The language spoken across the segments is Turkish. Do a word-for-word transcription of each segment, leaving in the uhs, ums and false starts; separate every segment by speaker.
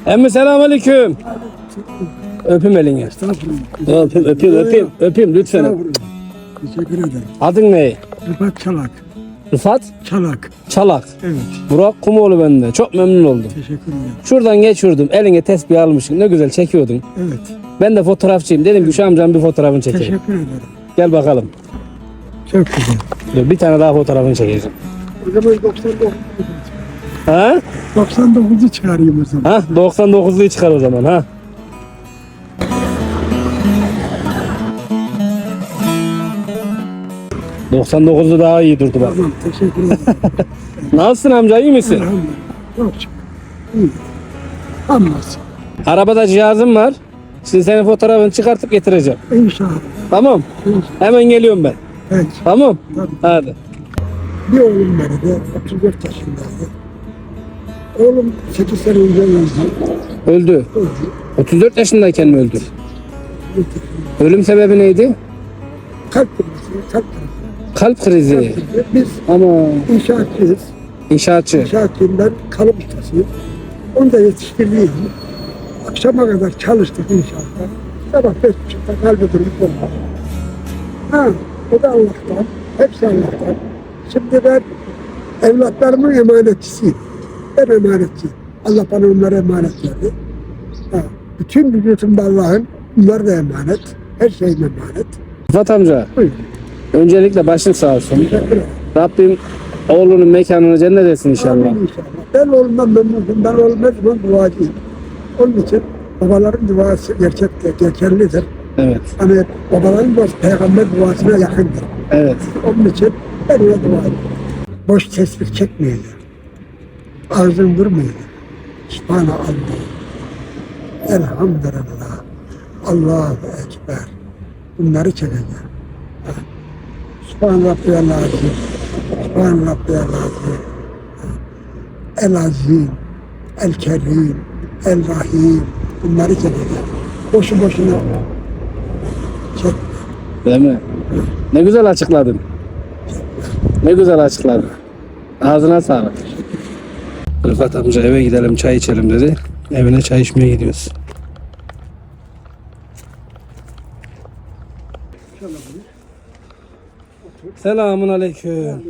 Speaker 1: Emmi selamünaleyküm. Öpüm elini. Öpüm, öpeyim, öpeyim, öpeyim lütfen.
Speaker 2: Teşekkür ederim.
Speaker 1: Adın ne?
Speaker 2: Rıfat Çalak.
Speaker 1: Rıfat
Speaker 2: Çalak.
Speaker 1: Çalak.
Speaker 2: Evet.
Speaker 1: Burak Kumoğlu bende. Çok memnun oldum.
Speaker 2: Teşekkür ederim.
Speaker 1: Şuradan geçiyordum. Eline tesbih almışsın. Ne güzel çekiyordun.
Speaker 2: Evet.
Speaker 1: Ben de fotoğrafçıyım. Dedim ki şu amcanın bir fotoğrafını çekeyim.
Speaker 2: Teşekkür ederim.
Speaker 1: Gel bakalım.
Speaker 2: Çok güzel.
Speaker 1: Dur, bir tane daha fotoğrafını çekeceğim.
Speaker 2: O zaman doksan dokuz.
Speaker 1: Ha?
Speaker 2: doksan dokuzu çıkarayım o zaman.
Speaker 1: Ha? doksan dokuzluyu çıkar o zaman ha. doksan dokuzlu daha iyi durdu bak.
Speaker 2: Tamam, teşekkür ederim.
Speaker 1: Nasılsın amca, iyi misin?
Speaker 2: Elhamdülillah. Çok şükür. İyi. Hamdolsun.
Speaker 1: Arabada cihazım var. Şimdi senin fotoğrafını çıkartıp getireceğim.
Speaker 2: İnşallah.
Speaker 1: Tamam.
Speaker 2: İnşallah.
Speaker 1: Hemen geliyorum ben.
Speaker 2: Evet.
Speaker 1: Tamam.
Speaker 2: Tabii.
Speaker 1: Hadi.
Speaker 2: Bir oğlum vardı. otuz dört yaşındaydı. Oğlum sekiz sene önce öldü.
Speaker 1: Öldü.
Speaker 2: Öldü.
Speaker 1: otuz dört yaşındayken mi öldü? Ölüm sebebi neydi?
Speaker 2: Kalp krizi, kalp krizi.
Speaker 1: Kalp krizi.
Speaker 2: Biz
Speaker 1: Ama
Speaker 2: inşaatçıyız.
Speaker 1: inşaatçı.
Speaker 2: İnşaatçıyım ben, kalıp ustasıyım. Onu da yetiştirdiğim. Akşama kadar çalıştık inşaatta. Sabah beş buçukta kalbi durup oldu. Ha, o da Allah'tan. Hepsi Allah'tan. Şimdi ben evlatlarımın emanetçisiyim. Ben emanetçiyim. Allah bana onlara emanet verdi. Ha, bütün vücudumda Allah'ın, bunlar da emanet. Her şeyim emanet.
Speaker 1: Rıfat amca,
Speaker 2: Buyurun.
Speaker 1: öncelikle başın sağ olsun.
Speaker 2: Teşekkür ederim.
Speaker 1: Rabbim oğlunun mekanını cennet etsin inşallah.
Speaker 2: Amin inşallah. Ben oğlumdan memnunum. Ben oğlum her zaman duacıyım. Onun için babaların duası gerçek, geçerlidir.
Speaker 1: Evet.
Speaker 2: Hani babaların duası peygamber duasına yakındır.
Speaker 1: Evet.
Speaker 2: Onun için ben ona dua ediyorum. Boş tesbih çekmeyeceğim. Ağzın durmayacak. Subhanallah. Elhamdülillah. Allahu Ekber. Bunları çekeceğim. Ha. Subhan Rabbiyal Azim. Subhan Rabbiyal Azim. El Azim. El Kerim. El Rahim. Bunları çekeceğim. Boşu boşuna çek.
Speaker 1: Değil mi? Ne güzel açıkladın. Ne güzel açıkladın. Ağzına sağlık. Rıfat amca eve gidelim çay içelim dedi. Evine çay içmeye gidiyoruz. Selamun aleyküm.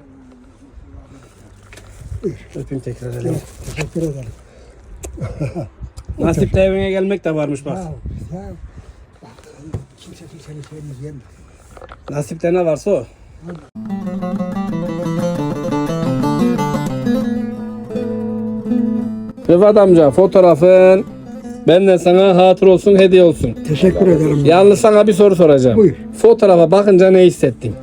Speaker 1: Öpeyim tekrar elini.
Speaker 2: Teşekkür ederim.
Speaker 1: Nasip de evine gelmek de varmış bak.
Speaker 2: Ya, ya, bak, kimse kimsenin şeyini yemez.
Speaker 1: Nasipte ne varsa o. Rıfat amca fotoğrafın benden sana hatır olsun, hediye olsun.
Speaker 2: Teşekkür ederim.
Speaker 1: Yalnız sana bir soru soracağım.
Speaker 2: Buyur.
Speaker 1: Fotoğrafa bakınca ne hissettin?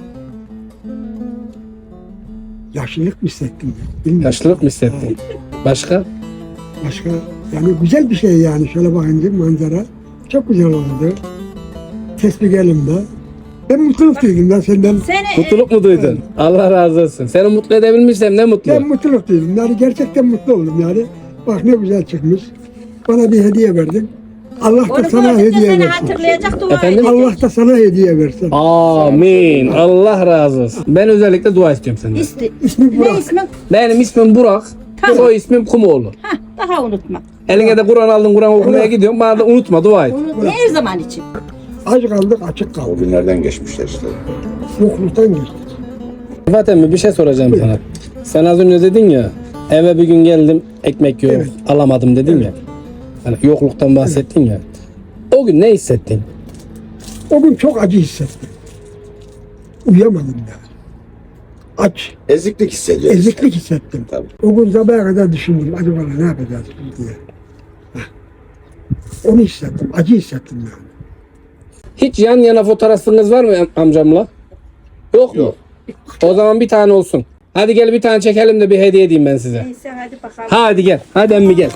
Speaker 2: Yaşlılık mı hissettim? Bilmiyorum.
Speaker 1: Yaşlılık mı hissettin? Başka?
Speaker 2: Başka yani güzel bir şey yani şöyle bakınca manzara çok güzel oldu. Tesbih elimde. Ben mutluluk duydum ben senden.
Speaker 3: Seni
Speaker 1: Mutluluk mu duydun? Allah razı olsun. Seni mutlu edebilmişsem ne mutlu.
Speaker 2: Ben mutluluk duydum. Yani gerçekten mutlu oldum yani. Bak ne güzel çıkmış. Bana bir hediye verdin. Allah da
Speaker 3: onu
Speaker 2: sana
Speaker 3: gördükçe
Speaker 2: hediye
Speaker 3: seni
Speaker 2: versin.
Speaker 3: hatırlayacak dua
Speaker 1: Efendim?
Speaker 3: edecek.
Speaker 2: Allah da sana hediye versin.
Speaker 1: Amin. Allah razı olsun. Ben özellikle dua istiyorum senden.
Speaker 3: İsti.
Speaker 2: İsmi
Speaker 3: Ne
Speaker 2: Burak.
Speaker 3: ismin?
Speaker 1: Benim ismim Burak.
Speaker 3: Tamam.
Speaker 1: Soy ismim Kumoğlu.
Speaker 3: Hah, daha unutma.
Speaker 1: Eline de Kur'an aldın, Kur'an okumaya
Speaker 2: Burak.
Speaker 1: gidiyorum. Bana da unutma, dua et.
Speaker 3: Unutma her zaman için.
Speaker 2: Aç kaldık açık
Speaker 4: O
Speaker 2: kaldık.
Speaker 4: günlerden geçmişler işte.
Speaker 2: Yokluktan geçtik.
Speaker 1: Rıfat emmi bir şey soracağım sana. Sen az önce dedin ya, eve bir gün geldim, ekmek yok,
Speaker 2: Evet.
Speaker 1: alamadım dedin ya. Hani yokluktan bahsettin ya. O gün ne hissettin?
Speaker 2: O gün çok acı hissettim. Uyuyamadım yani. Aç,
Speaker 4: Eziklik hissediyoruz.
Speaker 2: eziklik hissettim.
Speaker 4: Tabii.
Speaker 2: O gün sabaha kadar düşündüm. Acaba ne yapacağız diye. Heh. Onu hissettim. Acı hissettim yani.
Speaker 1: Hiç yan yana fotoğrafınız var mı am- amcamla? Yok mu?
Speaker 4: Yok.
Speaker 1: O zaman bir tane olsun. Hadi gel bir tane çekelim de bir hediye edeyim ben size.
Speaker 3: Neyse hadi bakalım.
Speaker 1: Hadi gel. Hadi emmi gel.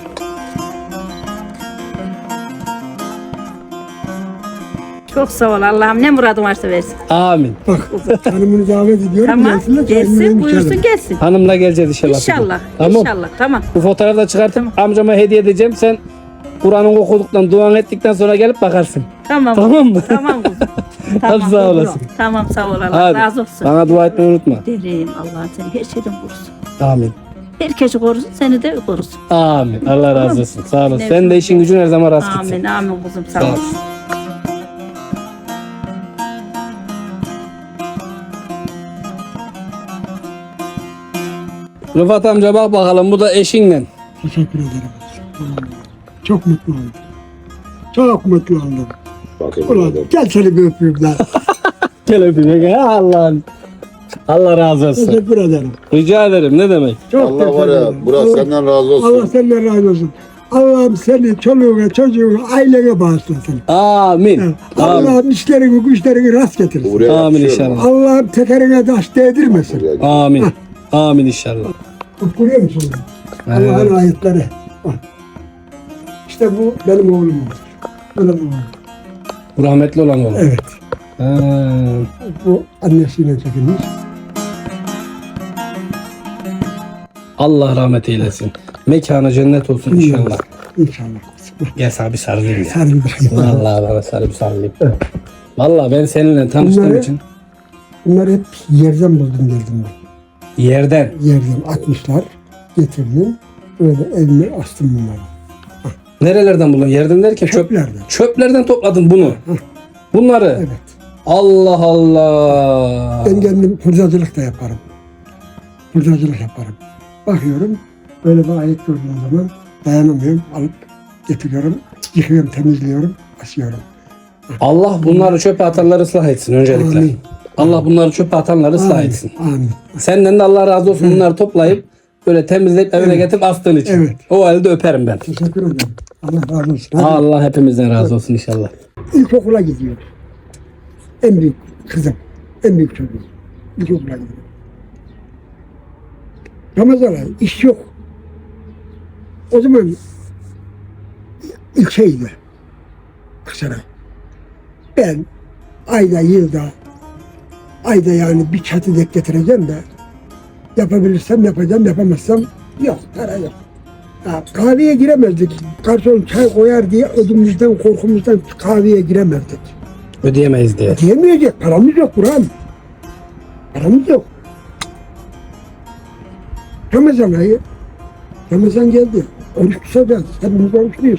Speaker 3: Çok sağ ol Allah'ım ne muradın varsa versin.
Speaker 1: Amin.
Speaker 2: Bak hanımını davet ediyorum.
Speaker 3: Tamam
Speaker 2: gelsinler, çayını
Speaker 3: gelsin
Speaker 2: içelim.
Speaker 3: buyursun gelsin.
Speaker 1: Hanımla geleceğiz inşallah.
Speaker 3: İnşallah
Speaker 1: Tamam.
Speaker 3: inşallah tamam.
Speaker 1: Bu fotoğrafı da çıkartıp amcama hediye edeceğim. Sen Kur'an'ı okuduktan, duan ettikten sonra gelip bakarsın.
Speaker 3: Tamam.
Speaker 1: Tamam mı?
Speaker 3: Tamam kuzum.
Speaker 1: Hadi sağ olasın.
Speaker 3: Tamam sağ ol Allah
Speaker 1: Hadi.
Speaker 3: razı olsun.
Speaker 1: Bana dua etmeyi unutma.
Speaker 3: Derim Allah'ın seni her şeyden korusun.
Speaker 1: Amin.
Speaker 3: Herkesi korusun, seni de korusun.
Speaker 1: Amin. Allah razı olsun. Sağ olasın.
Speaker 3: Ne-
Speaker 1: Sen de işin gücün her zaman rast gitsin.
Speaker 3: Amin, amin kuzum, sağ
Speaker 1: Sağ
Speaker 3: ol.
Speaker 1: olasın. Rıfat amca bak bakalım bu da eşinle.
Speaker 2: Teşekkür ederim. Çok mutlu oldum. Çok mutlu oldum.
Speaker 4: Bakın
Speaker 2: Ulan
Speaker 4: adam.
Speaker 2: gel seni bir öpeyim lan.
Speaker 1: Gel öpeyim. Ya Allah'ın. Allah razı olsun.
Speaker 2: Teşekkür ederim.
Speaker 1: Rica ederim. Ne demek?
Speaker 2: Çok
Speaker 4: Allah var
Speaker 2: teşekkür
Speaker 4: ya,
Speaker 2: ederim.
Speaker 4: Burak
Speaker 2: Allah-
Speaker 4: senden razı olsun.
Speaker 2: Allah senden razı olsun. Allah'ım seni, çoluğuna, çocuğuna, ailene bağışlasın.
Speaker 1: Amin.
Speaker 2: Evet.
Speaker 1: Amin.
Speaker 2: Allah'ım işlerini, güçlerini rast getirsin.
Speaker 4: Buraya
Speaker 1: Amin
Speaker 4: yakışıyor
Speaker 1: inşallah.
Speaker 4: mu?
Speaker 2: Allah'ım tekerine taş değdirmesin.
Speaker 4: Buraya-
Speaker 1: Amin. Amin inşallah.
Speaker 2: Görüyor musun?
Speaker 1: Evet.
Speaker 2: Allah'ın ayetleri. Bak. İşte bu benim oğlum olur. Benim oğlum.
Speaker 1: Bu rahmetli olan oğlum.
Speaker 2: Evet.
Speaker 1: Ha.
Speaker 2: Bu annesiyle çekilmiş.
Speaker 1: Allah rahmet eylesin. Mekanı cennet olsun inşallah.
Speaker 2: İnşallah.
Speaker 1: Gel sana bir sarılayım ya.
Speaker 2: Sarı bir
Speaker 1: Vallahi bana sarı bir sarılayım. Vallahi ben seninle tanıştığım
Speaker 2: Bunları-
Speaker 1: için
Speaker 2: Bunları hep yerden buldum geldim ben.
Speaker 1: yerden.
Speaker 2: Yerden atmışlar. Getirdim. Böyle evime astım bunları.
Speaker 1: Nerelerden buldun? Yerden derken çöp,
Speaker 2: Çöplerden.
Speaker 1: çöplerden topladın bunu. Bunları.
Speaker 2: Evet.
Speaker 1: Allah Allah.
Speaker 2: Ben kendim hurdacılık da yaparım. Hurdacılık yaparım. Bakıyorum. Böyle bir ayet gördüğüm zaman dayanamıyorum. Alıp getiriyorum. Yıkıyorum, temizliyorum. Asıyorum.
Speaker 1: Allah bunları çöpe atanları ıslah etsin öncelikle.
Speaker 2: Amin.
Speaker 1: Allah bunları çöpe atanları ıslah
Speaker 2: Amin.
Speaker 1: etsin.
Speaker 2: Amin.
Speaker 1: Senden de Allah razı olsun bunları toplayıp böyle temizleyip evine
Speaker 2: Evet.
Speaker 1: getirip astığın için.
Speaker 2: Evet.
Speaker 1: O halde öperim ben.
Speaker 2: Teşekkür ederim. Allah razı olsun. Hadi.
Speaker 1: Allah hepimizden razı olsun inşallah.
Speaker 2: İlkokula gidiyor. En büyük kızım. En büyük çocuğum. İlkokula gidiyor. Ramazan ayı iş yok. O zaman ilçeydi. Aksaray. Ben ayda yılda ayda yani bir çatı dek getireceğim de yapabilirsem yapacağım, yapamazsam yok, para yok. Ya, kahveye giremezdik. Garson çay koyar diye ödümüzden, korkumuzdan kahveye giremezdik.
Speaker 1: Ödeyemeyiz diye.
Speaker 2: Diyemeyecek, paramız yok Burhan. Paramız yok. Ramazan ayı, Ramazan geldi. Oruç tutacağız, hepimiz oruçluyuz.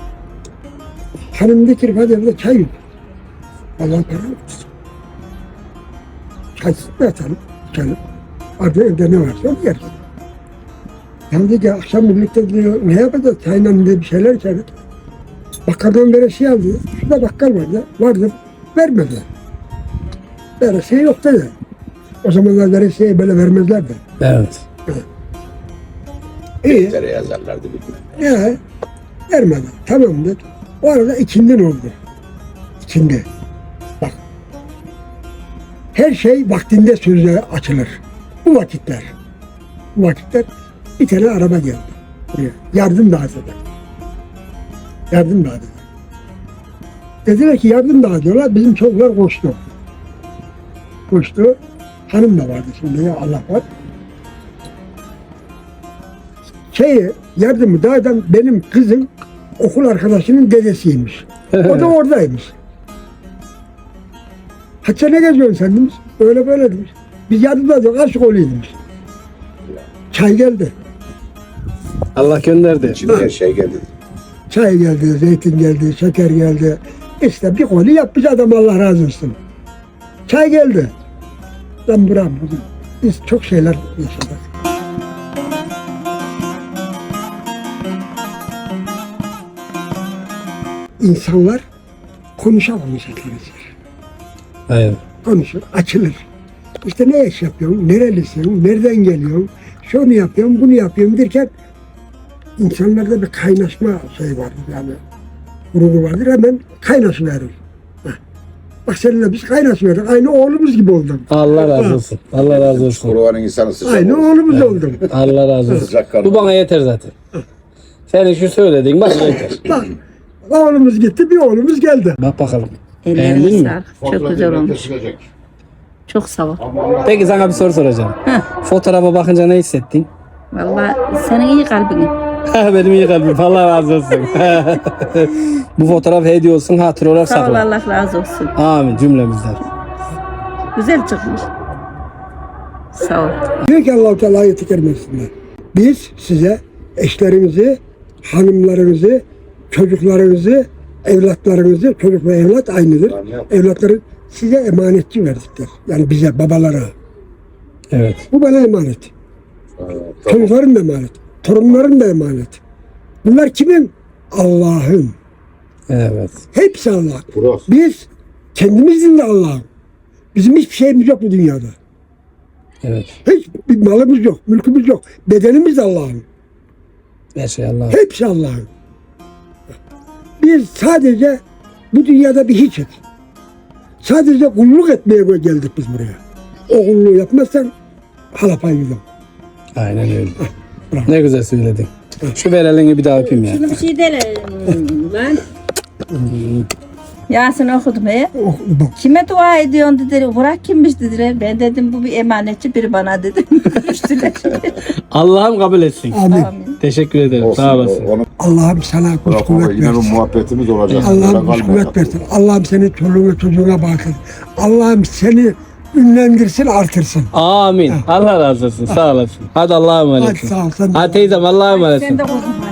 Speaker 2: Hanım getirip hadi evde çay yok. Allah para yok. Çaysız da atalım, içelim. Arada evde ne varsa onu yeriz. Yani dedi akşam birlikte diyor, ne yapacağız? Çayla diye bir şeyler içeriz. Bakkaldan veresiye aldı. Şurada bakkal vardı, vardı. Vermedi. Veresiye yok dedi. O zamanlar veresiyeyi böyle vermezlerdi.
Speaker 1: Evet.
Speaker 2: İyi.
Speaker 4: Tere yazarlardı bir gün.
Speaker 2: Ya vermedi. Tamam dedi. O arada ikindin oldu. İkindi. Bak. Her şey vaktinde sözle açılır. Bu vakitler. Bu vakitler bir tane araba geldi. Buraya. Yardım dağıtacak. Yardım dağıtacak. Dediler ki yardım dağıtıyorlar. Bizim çocuklar koştu. Koştu. Hanım da vardı şimdi ya Allah var. Şeyi yardımı dağıtan benim kızım okul arkadaşının dedesiymiş. O da oradaymış. Hatta ne geziyorsun sen demiş. Öyle böyle demiş. Biz yardımda diyor. Aşık oluyor demiş. Çay geldi.
Speaker 1: Allah gönderdi.
Speaker 4: İçinde her şey geldi.
Speaker 2: Çay geldi, zeytin geldi, şeker geldi. İşte bir koli yapmış adam Allah razı olsun. Çay geldi. Ben buram bugün. Biz çok şeyler yaşadık. İnsanlar konuşamamayacaklar.
Speaker 1: Aynen.
Speaker 2: Konuşur, açılır. İşte ne iş yapıyorsun, nerelisin, nereden geliyorsun, şunu yapıyorum, bunu yapıyorum derken insanlarda bir kaynaşma şey vardır yani. Gururu vardır, hemen kaynaşıverir. Heh. Bak seninle biz kaynaşıverdik, aynı oğlumuz gibi oldun.
Speaker 1: Allah razı olsun. Allah razı olsun.
Speaker 4: Kurbanın insanı sıcak
Speaker 2: Aynı
Speaker 4: olur.
Speaker 2: oğlumuz oldun.
Speaker 1: Allah razı olsun.
Speaker 4: Sıcak kanlı.
Speaker 1: Bu bana yeter zaten. Senin şu söylediğin bak yeter.
Speaker 2: Bak, oğlumuz gitti, bir oğlumuz geldi.
Speaker 1: Bak bakalım.
Speaker 3: Ellerine
Speaker 1: Beğendin mi?
Speaker 3: sağlık. Çok güzel olmuş. Çok sağ ol.
Speaker 1: Peki sana bir soru soracağım. Fotoğrafa bakınca ne hissettin?
Speaker 3: Vallahi senin iyi kalbin.
Speaker 1: Benim iyi kalbim. Allah razı olsun. Bu fotoğraf hediye olsun. Hatır olarak
Speaker 3: Sağ ol,
Speaker 1: sakla.
Speaker 3: Allah razı olsun.
Speaker 1: Amin cümlemizden.
Speaker 3: Güzel çıkmış. Sağ ol.
Speaker 2: Diyor ki Allah-u Teala ayeti kerimesinde. Biz size eşlerinizi, hanımlarınızı, çocuklarınızı, evlatlarınızı, çocuk ve evlat aynıdır. Evlatları size emanetçi verdikler. Yani bize, babalara.
Speaker 1: Evet.
Speaker 2: Bu bana emanet.
Speaker 4: Tamam.
Speaker 2: Çocukların da emanet. Torunların da emanet. Bunlar kimin? Allah'ın.
Speaker 1: Evet.
Speaker 2: Hepsi Allah.
Speaker 4: Burası.
Speaker 2: Biz kendimizin de Allah'ın. Bizim hiçbir şeyimiz yok bu dünyada.
Speaker 1: Evet.
Speaker 2: Hiç bir malımız yok, mülkümüz yok. Bedenimiz de Allah'ın.
Speaker 1: Her şey Allah.
Speaker 2: Hepsi Allah'ın. Biz sadece bu dünyada bir hiçiz. Sadece kulluk etmeye geldik biz buraya. O kulluğu yapmazsan halapayı yok.
Speaker 1: Aynen öyle.
Speaker 2: bravo.
Speaker 1: Ne güzel söyledin. Şu ver elini bir daha öpeyim ya.
Speaker 3: Şunu bir şey dele lan. Yasin okudum he.
Speaker 2: O, bak.
Speaker 3: Kime dua ediyorsun dediler. Burak kimmiş dediler. Ben dedim bu bir emanetçi biri bana dedim. Görüştüler.
Speaker 1: Allah'ım kabul etsin.
Speaker 2: Amin.
Speaker 3: Amin.
Speaker 1: Teşekkür ederim.
Speaker 4: Olsun.
Speaker 1: Sağ olasın.
Speaker 4: Onu
Speaker 2: Allah'ım sana güç
Speaker 4: bırak
Speaker 2: kuvvet
Speaker 4: yine bir
Speaker 2: versin.
Speaker 4: muhabbetimiz olacak.
Speaker 2: Allah'ım
Speaker 4: Böyle
Speaker 2: güç
Speaker 4: kalmayalım.
Speaker 2: kuvvet versin. Allah'ım seni çoluğuna çocuğuna bağışlasın. Allah'ım seni ünlendirsin, artırsın.
Speaker 1: Amin. Allah razı olsun. Sağ olasın. Hadi Allah'a
Speaker 2: Hadi
Speaker 1: emanetsin.
Speaker 2: sağ ol. Sen de-
Speaker 1: Hadi teyzem Allah'a
Speaker 3: Sen
Speaker 1: emanetsin.
Speaker 3: de kuzum.